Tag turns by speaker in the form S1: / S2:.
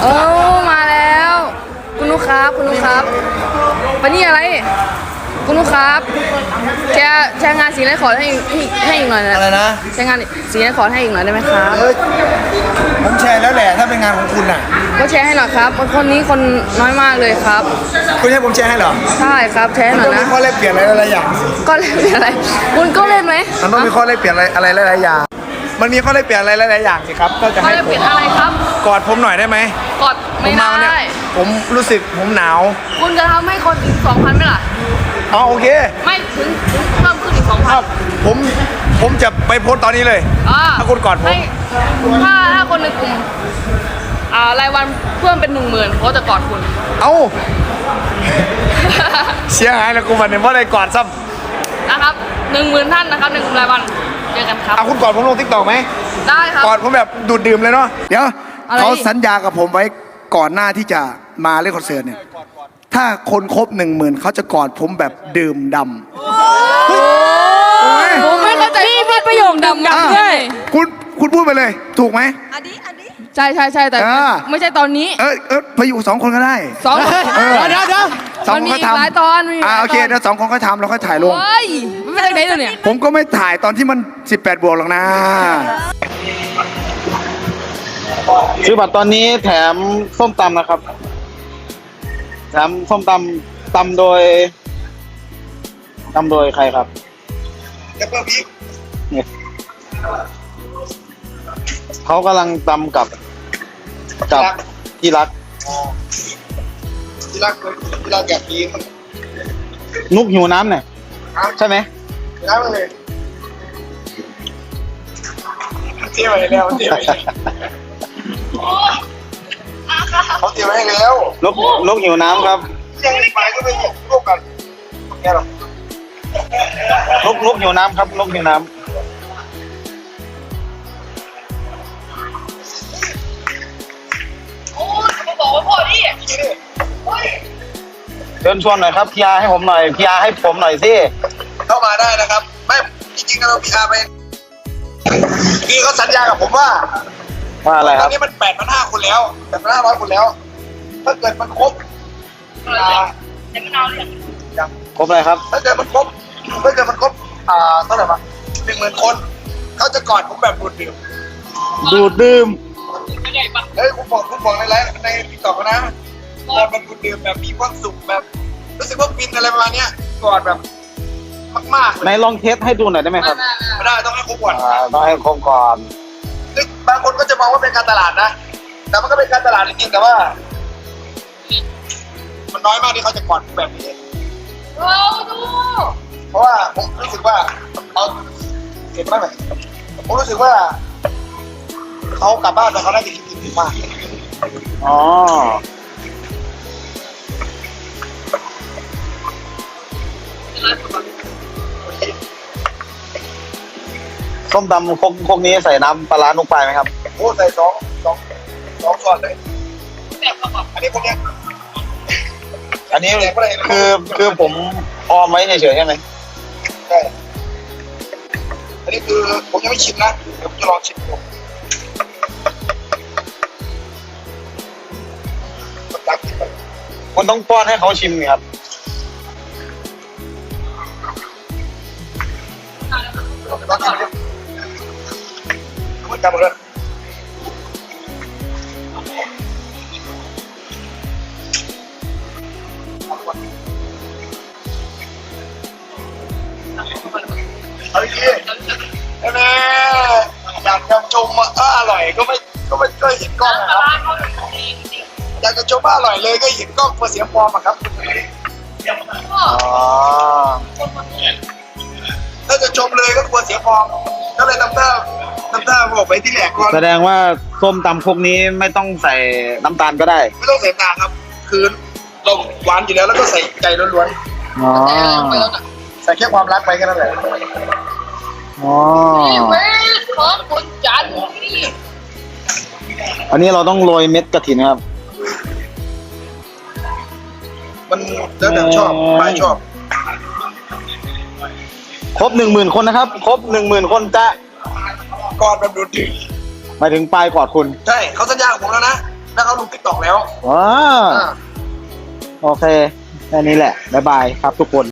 S1: โอ้มาแล้วคุณลูกครับคุณลูกครับวันนี้อะไรคุณลูกครับแชร์งานสีไรขอให้อีกหน่อยนะ
S2: อะไรนะ
S1: แชร์งานสีไรขอให้อีกหน่อยได้ไหมครับ
S2: ผมแชร์แล้วแหละถ้าเป็นงานของคุณน่ะ
S1: ก็แชร์ให้หน่อยครับคนนี้คนน้อยมากเลยครับ
S2: คุณให้ผมแชร์ให้เหรอ
S1: ใช่ครับแชร์หน่อยนะ
S2: มันต้องมีข้อแลกเปลี่ยนอะไรอย่าง
S1: ก็เล่นอะไรคุณก็เล่นไหม
S2: มันต้องมีข้อแลกเปลี่ยนอะไรหลายๆอย่างมันมีข้อแลกเปลี่ยนอะไรหลายๆอย่างสิครับก็จะให้ผม
S1: เปลี่ยนอะไรครับ
S2: กอดผมหน่อยได้ไหม
S1: กดไม่ได้
S2: ผมรู้สึกผมหนาว
S1: คุณจะทำให้คนถึง 2,000ไหมล่ะ
S2: อ๋อโอเค
S1: ไม่ถึงเพิ่มขึ้นอีก 2,000
S2: ผมจะไปโพสต์ตอนนี้เลยถ้าคุณกอดผม
S1: ถ้าคนในกลุ่มรายวันเพิ่มเป็น 10,000เขาจะกอดคุณ
S2: เอ้าเสียหายแล้วกูวันนี้ว่าได้กอดซ้
S1: ำนะครับ 10,000 ท่านนะครับ1 รายวันเจอกันครับ
S2: คุณกอดผมลงทิกตอกไหม
S1: ได้ครับ
S2: กอดผมแบบดูดดื่มเลยเนาะเดี๋ยวเขาสัญญากับผมไว้ก่อนหน้าที่จะมาเล่นคอนเสิร์ตเนี่ยถ้าคนครบ 10,000เขาจะกอดผมแบบดื่มดำ
S1: ผมไม่เข้าใจนี่มีประโยคดำด้วย
S2: คุณพูดไปเลยถูกไหม
S3: อันนี้
S1: ใช่แต่ไม่ใช่ตอนนี้
S2: ไปอยู่2 คนก็ได้
S1: 2 คน
S2: เดี๋ยว2 คนก็ทำ
S1: หลายตอน
S2: โอเคเดี๋ยว2 คนก็ทำแล้วค่อยถ่ายลง
S1: ไม่ได้ไหนตัวเนี่ย
S2: ผมก็ไม่ถ่ายตอนที่มัน18 บวกหรอกนะ
S4: ซื้อบัตรตอนนี้แถมส้มตำนะครับแถมส้มตำโดยใครครับเขากำลังตำกับที่รัก
S2: แบบนี้
S4: นุกหิวน้ำเนี่ยใช่ไหม
S2: น้ำเลยเที่ยวไปแล้วเขาเตรียมไว้ให้แล้ว
S4: นกหิวน้ำครับ
S2: ยังไปก็ไปร่วมกันแค่หร
S4: อนกหิวน้ำครับนกหิวน้ำ
S1: โอ้มาบอกว่าพอดิ
S4: เชิญชวนหน่อยครับพีอาร์ให้ผมหน่อยพีอาร์ให้ผมหน่อยสิ
S2: เข้ามาได้นะครับไม่จริงๆเราพีอาร์ไปพี่เขาสัญญากับผมว่า
S4: อะไรครับ
S2: ตอนนี้มัน8,500 คนแล้ว8,500 คนแล้วถ้าเกิดมันครบ
S4: ครบอะไรครับ
S2: ถ้าเกิดมันครบเท่าไหร่บ้าง10,000 คนเขาจะกอดผมแบบดูด
S4: ดื่ม
S2: เฮ้ยคุณบอกในไลฟ์ในติ๊กต็อกนะกอดแบบดูดดื่มแบบมีความสุขแบบรู้สึกว่าฟินอะไรประมาณนี้กอดแบบมากๆ
S4: ในลองเทสให้ดูหน่อยได้ไหมครับ
S2: ไม่ได้ต้องให้ครบก่อน
S4: ต้องให้ครบก่อน
S2: บางคนก็จะมองว่าเป็นการตลาดนะแต่มันก็เป็นการตลาดจริงๆแต่ว่ามันน้อยมากที่เขาจะกอดแบบนี้เพราะว่าผมรู้สึกว่าเอาเห็นไหมผมรู้สึกว่าเขากลับบ้านแต่เขาได้กินดีมาก
S4: อ๋อส้มตำพวกนี้ใส่น้ำปลาร้านุกไปไหมครับ
S2: โอ้ใส่สองช้อนเลยอันนี้พวกเนี้ย
S4: อันนี้คือผมออมไว้เฉยๆใช่ไหม
S2: ใช่อันนี้คือผมยังไม่ชิมนะเดี๋ยวผมจะลองชิมดู
S4: คุณต้องป้อนให้เขาชิมครับ
S2: มันจำเลยเอาอีกทีแม่อยากจะชมว่าอร่อยก็ไม่เห็นกล้องนะครับอยากจะชมว่าอร่อยเลยก็เห็นกล้องเพื่อเสียฟอร์มอะครับถ้าจะชมเลยก็กลัวเสียฟอร์มก็เลยน้ำตาบอกไปที่แหลกก่อน
S4: แสดงว่าส้มตำพวกนี้ไม่ต้องใส่น้ำตาลก็ได้
S2: ไม่ต้องใส่น้ำตาลครับคือเราหวานอยู่แล้วก็ใส่ใจล้วนๆใส่แค่ความรักไปแค่นั้นแหละ
S1: นี่เว้ยของคนจันนี่
S4: อันนี้เราต้องโรยเม็ดกระถินครับ
S2: มันแล้วแต่ชอบไม่ชอบ
S4: ครบ 10,000 คนนะครับครบ 10,000 คนจะ
S2: กอดแบบดูดดื่ม
S4: หมายถึงปลายกอดคุณ
S2: ใช่เขาสัญญากับผมแล้วนะถ้าเขางติ๊กต็อกแล้ว
S4: ว้าโอเคแค่นี้แหละบ๊ายบายครับทุกคน